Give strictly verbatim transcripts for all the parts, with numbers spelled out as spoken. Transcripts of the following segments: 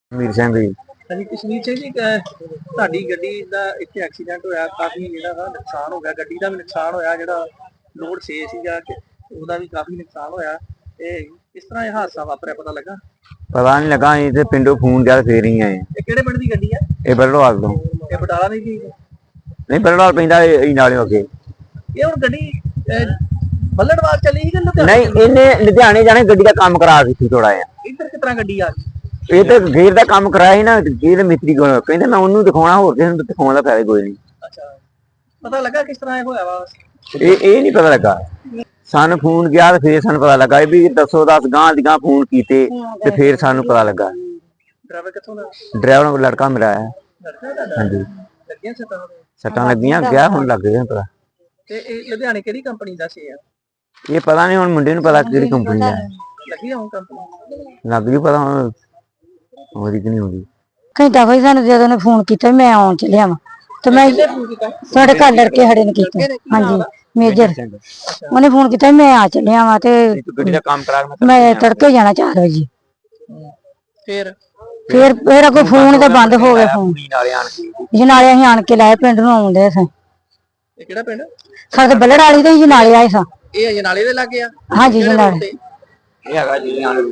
मीर सिंह जी। ਹਾਂਜੀ ਕਸ਼ਮੀਰ ਸਿੰਘ ਜੀ ਅਹ ਤੁਹਾਡੀ ਗੱਡੀ ਦਾ ਇੱਥੇ ਐਕਸੀਡੈਂਟ ਹੋਇਆ, ਕਾਫੀ ਜਿਹੜਾ ਵਾ ਨੁਕਸਾਨ ਹੋ ਗਿਆ, ਗੱਡੀ ਦਾ ਵੀ ਨੁਕਸਾਨ ਹੋਇਆ, ਜਿਹੜਾ ਲੋਡ ਛੇ ਸੀਗਾ ਕਿ ਉਹਦਾ ਵੀ ਕਾਫੀ ਨੁਕਸਾਨ ਹੋਇਆ। ਇਹ ਕਿਸ ਤਰ੍ਹਾਂ ਇਹ ਹਾਦਸਾ ਵਾਪਰਿਆ ਪਤਾ ਲੱਗਾ? पता नहीं लगा अं तो पिंडों फोन किया फिर ही आए। ਇਹ ਕਿਹੜੇ ਪਿੰਡ ਦੀ ਗੱਡੀ ਆ? ये बरड़वाल तो ਇਹ ਬਟਾਲਾ ਦੀ ਸੀ? नहीं बरड़वाल पैंदा नाले अगे। ਇਹ ਹੁਣ ਗੱਡੀ ਅਹ, ਬੱਲੜਵਾਲ चली ਸੀ कि लुधियाने? नहीं इन्हें लुधियाने जाने गड्डी का काम करा दी थी थोड़ा जिहा। ਇੱਧਰ ਕਿਸ ਤਰ੍ਹਾਂ ਗੱਡੀ ਆ ਗਈ? ये तो गेर का काम कराया ही ना, गेर मिस्त्री को कहते मैं उन्होंने दिखाना होर किसी को दिखाने का फायदा कोई नहीं। ਅੱਛਾ ਪਤਾ ਲੱਗਾ ਕਿਸ ਤਰ੍ਹਾਂ ਇਹ ਹੋਇਆ ਵਾ? ये ये नहीं पता लगा। सानू फोन किया तो फिर सानू पता लगा भी दसो दस गांह दी गांह फोन कीते ते फिर सानू पता लगा। ड्राइवर कित्थों दा? ड्राइवर को लड़का मेरा है। लड़का दा? हाँ जी ਲੱਗੀਆਂ ਸੱਟਾਂ? सट्टां लगियां गया हुण लग गया पता। ਤੇ ਇਹ ਲੁਧਿਆਣੇ ਕਿਹੜੀ ਕੰਪਨੀ ਦਾ ਸੀ? ये पता नहीं हुण मुंडे नूं पता किहड़ी कंपनी दा है। ਲੱਗੀ ਹੋਂ ਕੰਪਨੀ? लग गई पता हुण होदी कि नहीं होदी। ਘੰਟਾ ਕੋਈ ਸਾਨੂੰ ਜਦੋਂ ਨੇ ਫੋਨ ਕੀਤਾ ਮੈਂ ਆਉਣ ਚੱਲਿਆ ਵਾਂ ਤੇ ਮੈਂ ਸਾਡੇ ਘਰ ਲੜਕੇ ਖੜੇ ਨੇ ਕੀਤਾ। ਹਾਂਜੀ ਮੇਜਰ ਉਹਨੇ ਫੋਨ ਕੀਤਾ ਮੈਂ ਆ ਚੱਲਿਆ ਵਾਂ ਤੇ ਗੱਡੀ ਦਾ ਕੰਮ ਕਰਾ ਕੇ ਮੈਂ ਤੜਕੇ ਜਾਣਾ ਚਾਰ ਵਜੇ। ਫਿਰ ਫਿਰ ਫਿਰ ਅੱਗੋਂ ਫੋਨ ਤਾਂ ਬੰਦ ਹੋ ਗਿਆ ਫੋਨ। ਨਾਲੇ ਆਣ ਕੇ ਜਨਾਲੇ ਅਸੀਂ ਆਣ ਕੇ ਲਾਏ ਪਿੰਡ ਨੂੰ ਆਉਂਦੇ ਸਾਂ। ਇਹ ਕਿਹੜਾ ਪਿੰਡ? ਸਾਡੇ ਬੱਲੜ ਵਾਲੀ ਤੇ ਜਨਾਲੇ ਆਏ ਸਾਂ। ਇਹ ਅਜਨਾਲੇ ਦੇ ਲੱਗੇ ਆ? ਹਾਂਜੀ ਜਨਾਲੇ ਇਹ ਹੈਗਾ ਜੀ ਆਣ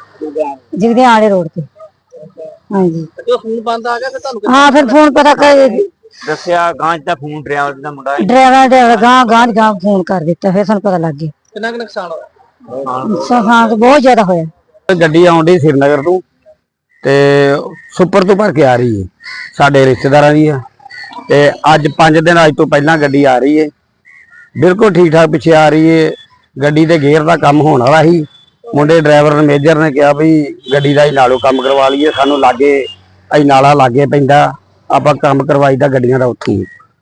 ਜਿਗਦੇ ਆਲੇ ਰੋਡ ਤੇ। ਹਾਂਜੀ ਜਦੋਂ ਫੋਨ ਬੰਦ ਆ ਗਿਆ ਫਿਰ ਤੁਹਾਨੂੰ ਹਾਂ ਫਿਰ ਫੋਨ ਪਤਾ ਕਰ ਦੱਸਿਆ ਗਾਂ ਦਾ ਫੋਨ ਡਰਾਈਵਰ ਦਾ ਮੁੰਡਾ ਡਰਾਈਵਰ ਡਰਾਈਵਰ ਗਾਂ ਗਾਂ ਗਾਂ ਫੋਨ ਕਰ ਦਿੱਤਾ ਫਿਰ ਸਾਨੂੰ ਪਤਾ ਲੱਗ ਗਿਆ। ਕਿੰਨਾ ਕੁ ਨੁਕਸਾਨ ਹੋਇਆ? ਨੁਕਸਾਨ ਬਹੁਤ ਜ਼ਿਆਦਾ ਹੋਇਆ। ਗੱਡੀ ਆਉਂਦੀ ਸ਼੍ਰੀਨਗਰ ਤੋਂ ਤੇ ਸੁਪਰ ਤੋਂ ਭਰ ਕੇ ਆ ਰਹੀ ਹੈ, ਸਾਡੇ ਰਿਸ਼ਤੇਦਾਰਾਂ ਦੀ ਆ ਤੇ ਅੱਜ ਪੰਜ ਦਿਨ ਅੱਜ ਤੋਂ ਪਹਿਲਾਂ ਗੱਡੀ ਆ ਰਹੀ ਹੈ, ਬਿਲਕੁਲ ਠੀਕ ਠਾਕ ਪਿੱਛੇ ਆ ਰਹੀ ਹੈ। ਗੱਡੀ ਦੇ ਗੇਅਰ ਦਾ ਕੰਮ ਹੋਣ ਵਾਲਾ ਸੀ, ਮੁੰਡੇ ਡਰਾਈਵਰ ਨੇ ਮੇਜਰ ਨੇ ਕਿਹਾ ਵੀ ਗੱਡੀ ਦਾ ਹੀ ਨਾਲੋਂ ਕੰਮ ਕਰਵਾ ਲਈਏ, ਸਾਨੂੰ ਲਾਗੇ ਅਸੀਂ ਨਾਲਾ ਲਾਗੇ ਪੈਂਦਾ ਆਪਾਂ ਕੰਮ ਕਰਵਾਈਦਾ ਗੱਡੀਆਂ ਦਾ ਉੱਥੇ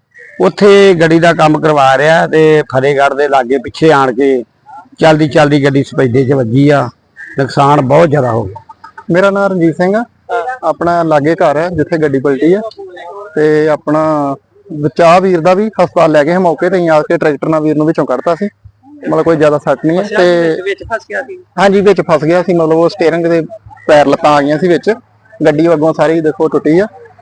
ਉੱਥੇ ਗੱਡੀ ਦਾ ਕੰਮ ਕਰਵਾ ਰਿਹਾ ਤੇ ਫਤਿਹਗੜ੍ਹ ਦੇ ਲਾਗੇ ਪਿੱਛੇ ਆਣ ਕੇ ਚਲਦੀ ਚਲਦੀ ਗੱਡੀ ਸਪੈਦੇ 'ਚ ਵੱਜੀ ਆ, ਨੁਕਸਾਨ ਬਹੁਤ ਜ਼ਿਆਦਾ ਹੋ ਗਿਆ। ਮੇਰਾ ਨਾਮ ਰਣਜੀਤ ਸਿੰਘ ਆ, ਆਪਣਾ ਲਾਗੇ ਘਰ ਹੈ ਜਿੱਥੇ ਗੱਡੀ ਪਲਟੀ ਆ ਤੇ ਆਪਣਾ ਬਚਾਅ ਵੀਰ ਦਾ ਵੀ ਹਸਪਤਾਲ ਲੈ ਗਏ ਮੌਕੇ ਤੇ ਆ ਕੇ ਟਰੈਕਟਰ ਨਾਲ ਵੀਰ ਨੂੰ ਵਿੱਚੋਂ ਕੱਢਤਾ ਸੀ, ਮਤਲਬ ਕੋਈ ਜ਼ਿਆਦਾ ਸੱਟ ਨਹੀਂ ਹੈ ਤੇ ਵਿੱਚ ਫਸ ਗਿਆ ਸੀ? ਹਾਂਜੀ ਵਿੱਚ ਫਸ ਗਿਆ ਸੀ, ਮਤਲਬ ਉਹ ਸਟੀਅਰਿੰਗ ਦੇ ਪੈਰ ਲੱਤਾਂ ਆ ਗਈਆਂ ਸੀ ਵਿੱਚ, ਗੱਡੀ ਅੱਗੋਂ ਸਾਰੀ ਦੇਖੋ ਟੁੱਟੀ ਆ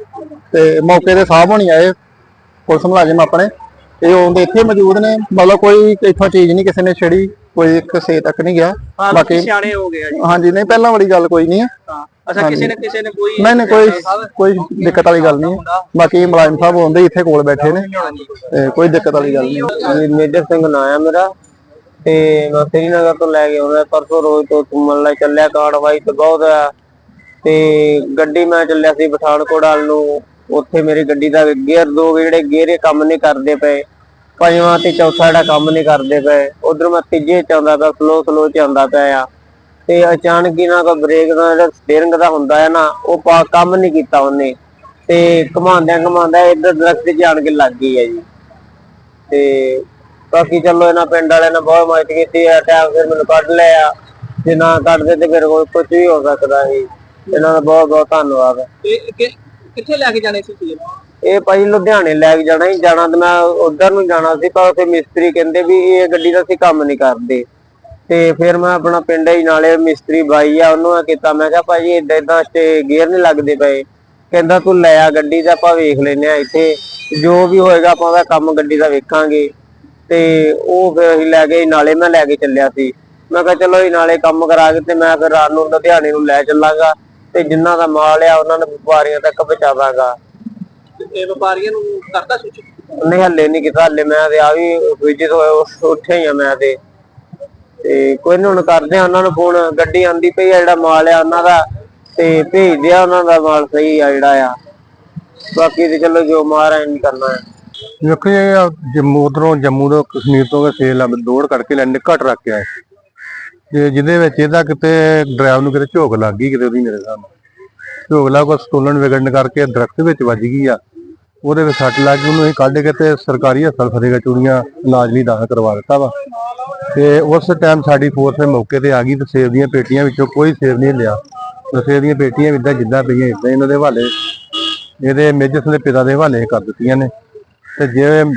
ਤੇ ਮੌਕੇ ਤੇ ਸਾਹਿਬ ਹੋਣੀ ਆਏ ਪੁਲਿਸ ਮੁਲਾਜ਼ਮ ਆਪਣੇ ਤੇ ਉਹ ਇੱਥੇ ਮੌਜੂਦ ਨੇ, ਮਤਲਬ ਕੋਈ ਇੱਥੋਂ ਚੀਜ਼ ਨਹੀਂ ਕਿਸੇ ਨੇ ਛੇੜੀ, ਕੋਈ ਕਿਸੇ ਤੱਕ ਨਹੀਂ ਗਿਆ। ਬਾਕੀ ਸਿਆਣੇ ਹੋ ਗਏ ਜੀ? ਹਾਂਜੀ ਨਹੀਂ ਪਹਿਲਾਂ ਵਾਲੀ ਗੱਲ ਕੋਈ ਨਹੀਂ ਹੈ। ਅੱਛਾ ਕਿਸੇ ਨੇ ਕਿਸੇ ਨੇ ਕੋਈ ਨਹੀਂ ਨਹੀਂ ਕੋਈ ਕੋਈ ਦਿੱਕਤ ਵਾਲੀ ਗੱਲ ਨਹੀਂ ਹੈ, ਬਾਕੀ ਮੁਲਾਜ਼ਮ ਸਾਹਿਬ ਹੁੰਦੇ ਇੱਥੇ ਕੋਲ ਬੈਠੇ ਨੇ ਤੇ ਕੋਈ ਦਿੱਕਤ ਵਾਲੀ ਗੱਲ ਨਹੀਂ। ਮੇਜਰ ਸਿੰਘ ਨਾਂ ਆ ਮੇਰਾ ਤੇ ਮੈਂ ਸ਼੍ਰੀਨਗਰ ਤੋਂ ਲੈ ਕੇ ਆਉਂਦਾ ਪਰਸੋਂ ਰੋਜ਼ ਤੋਂ ਘੁੰਮਣ ਲਈ ਚੱਲਿਆ, ਕਾਰਵਾਈ ਤੇ ਬਹੁਤ ਆ ਤੇ ਗੱਡੀ ਮੈਂ ਚੱਲਿਆ ਸੀ ਪਠਾਨਕੋਟ ਵੱਲ ਨੂੰ, ਉੱਥੇ ਮੇਰੀ ਗੱਡੀ ਦਾ ਗੇਅਰ ਦੋ ਜਿਹੜੇ ਗੇਅਰੇ ਕੰਮ ਨਹੀਂ ਕਰਦੇ ਪਏ, ਪੰਜਵਾਂ ਤੇ ਚੌਥਾ ਜਿਹੜਾ ਕੰਮ ਨਹੀਂ ਕਰਦੇ ਪਏ, ਉਧਰ ਮੈਂ ਤੀਜੇ ਚ ਆਉਂਦਾ ਪਿਆ, ਸਲੋ ਸਲੋ ਚ ਆਉਂਦਾ ਪਿਆ ਆ ਤੇ ਅਚਾਨਕ ਹੀ ਨਾ ਕੋਈ ਬ੍ਰੇਕ ਦਾ ਜਿਹੜਾ ਸਟੀਅਰਿੰਗ ਦਾ ਹੁੰਦਾ ਹੈ ਨਾ ਉਹ ਕੰਮ ਨਹੀਂ ਕੀਤਾ ਉਹਨੇ ਤੇ ਘੁਮਾਉਂਦਿਆਂ ਘੁਮਾਉਂਦਾ ਇੱਧਰ ਦਰਖਤ 'ਚ ਆਣ ਕੇ ਲੱਗ ਗਈ ਹੈ ਜੀ। ਤੇ ਬਾਕੀ ਚਲੋ ਇਹਨਾਂ ਪਿੰਡ ਵਾਲਿਆਂ ਨੇ ਬਹੁਤ ਮਦਦ ਕੀਤੀ ਹੈ, ਟਾਈਮ ਫਿਰ ਮੈਨੂੰ ਕੱਢ ਲਿਆ, ਜੇ ਨਾ ਕੱਢਦੇ ਤੇ ਫਿਰ ਕੁਝ ਵੀ ਹੋ ਸਕਦਾ ਸੀ। ਇਹਨਾਂ ਦਾ ਬਹੁਤ ਬਹੁਤ ਧੰਨਵਾਦ। ਕਿੱਥੇ ਲੈ ਕੇ ਜਾਣੇ ਸੀ? ਇਹ ਭਾਈ ਲੁਧਿਆਣੇ ਲੈ ਕੇ ਜਾਣਾ ਹੀ ਜਾਣਾ ਤੇ ਮੈਂ ਉਧਰ ਨੂੰ ਜਾਣਾ ਸੀ, ਪਰ ਉੱਥੇ ਮਿਸਤਰੀ ਕਹਿੰਦੇ ਵੀ ਇਹ ਗੱਡੀ ਦਾ ਅਸੀਂ ਕੰਮ ਨਹੀਂ ਕਰਦੇ ਤੇ ਫਿਰ ਮੈਂ ਆਪਣਾ ਪਿੰਡ ਹੀ ਨਾਲੇ ਮਿਸਤਰੀ ਬਾਈ ਆ ਉਹਨੂੰ ਕੀਤਾ, ਮੈਂ ਕਿਹਾ ਭਾਜੀ ਏਦਾਂ ਏਦਾਂ ਤੇ ਗੇਅਰ ਨਹੀਂ ਲੱਗਦੇ ਪਏ, ਕਹਿੰਦਾ ਤੂੰ ਲੈ ਆ ਗੱਡੀ ਦਾ ਆਪਾਂ ਵੇਖ ਲੈਨੇ ਆ ਇੱਥੇ ਜੋ ਵੀ ਹੋਏਗਾ ਆਪਾਂ ਉਹਦਾ ਕੰਮ ਗੱਡੀ ਦਾ ਵੇਖਾਂਗੇ ਤੇ ਉਹ ਫਿਰ ਅਸੀਂ ਲੈ ਗਏ ਨਾਲੇ, ਮੈਂ ਲੈ ਕੇ ਚੱਲਿਆ ਸੀ, ਮੈਂ ਕਿਹਾ ਚਲੋ ਇਹ ਨਾਲੇ ਕੰਮ ਕਰਾ ਕੇ ਤੇ ਮੈਂ ਫਿਰ ਰਾਤ ਨੂੰ ਲੁਧਿਆਣੇ ਨੂੰ ਲੈ ਚੱਲਾਂਗਾ ਤੇ ਜਿੰਨਾ ਦਾ ਮਾਲ ਆ ਉਹਨਾਂ ਨੂੰ ਵਪਾਰੀਆਂ ਤੱਕ ਪਹੁੰਚਾਵਾਂਗਾ। ਇਹ ਵਪਾਰੀਆਂ ਨੂੰ ਕਰਦਾ ਸੂਚਿਤ? ਨਹੀਂ ਹੱਲੇ ਨਹੀਂ ਕੀਤਾ, ਹੱਲੇ ਮੈਂ ਤੇ ਆ ਵੀ ਵਿਜਿਟ ਹੋਇਆ ਉੱਠਿਆ ਹੀ ਆ ਮੈਂ ਤੇ ਤੇ ਕੋਈ ਨਹੀਂ ਹੁਣ ਕਰਦੇ ਆ ਉਹਨਾਂ ਨੂੰ ਫੋਨ, ਗੱਡੀ ਆਂਦੀ ਪਈ ਆ, ਜਿਹੜਾ ਮਾਲ ਆ ਉਹਨਾਂ ਦਾ ਤੇ ਭੇਜਦੇ ਆ, ਉਹਨਾਂ ਦਾ ਮਾਲ ਸਹੀ ਆ ਜਿਹੜਾ ਆ, ਬਾਕੀ ਤੇ ਚਲੋ ਜੋ ਮਾਰਾ ਨਹੀਂ ਕਰਨਾ ਹੈ। ਦੇਖੋ ਜੀ ਜੰਮੂ ਉਧਰੋਂ ਜੰਮੂ ਤੋਂ ਕਸ਼ਮੀਰ ਤੋਂ ਸੇਲ ਦੌੜ ਕਰਕੇ ਲੈਣੇ ਘੱਟ ਰੱਖ ਕੇ ਆਏ ਤੇ ਜਿਹਦੇ ਵਿੱਚ ਇਹਦਾ ਕਿਤੇ ਡਰਾਈਵਰ ਨੂੰ ਕਿਤੇ ਝੋਕ ਲੱਗ ਗਈ, ਕਿਤੇ ਉਹਦੀ ਮੇਰੇ ਸਾਹਮਣੇ ਝੋਕ ਲੱਗ ਕੇ ਸਟੋਲਨ ਵਿਗੜਨ ਕਰਕੇ ਦਰਖਤ ਵਿੱਚ ਵੱਜ ਗਈ ਆ, ਉਹਦੇ ਵਿੱਚ ਸੱਟ ਲੱਗ ਗਈ, ਉਹਨੂੰ ਅਸੀਂ ਕੱਢ ਕੇ ਤੇ ਸਰਕਾਰੀ ਹਸਪਤਾਲ ਫਤਿਹਗੜ੍ਹ ਚੂੜੀਆਂ ਇਲਾਜ ਲਈ ਦਾਖਲ ਕਰਵਾ ਦਿੱਤਾ ਵਾ ਤੇ ਉਸ ਟਾਈਮ ਸਾਡੀ ਫੋਰਸ ਮੌਕੇ ਤੇ ਆ ਗਈ ਤੇ ਸੇਬ ਦੀਆਂ ਪੇਟੀਆਂ ਵਿੱਚੋਂ ਕੋਈ ਸੇਬ ਨਹੀਂ ਲਿਆ, ਸੇਬ ਦੀਆਂ ਪੇਟੀਆਂ ਇਦਾਂ ਜਿੱਦਾਂ ਪਈਆਂ ਇਦਾਂ ਇਹਨਾਂ ਦੇ ਹਵਾਲੇ, ਇਹਦੇ ਮੇਜਰ ਦੇ ਪਿਤਾ ਦੇ ਹਵਾਲੇ ਕਰ ਦਿੱਤੀਆਂ ਨੇ ਤੇ ਜੇ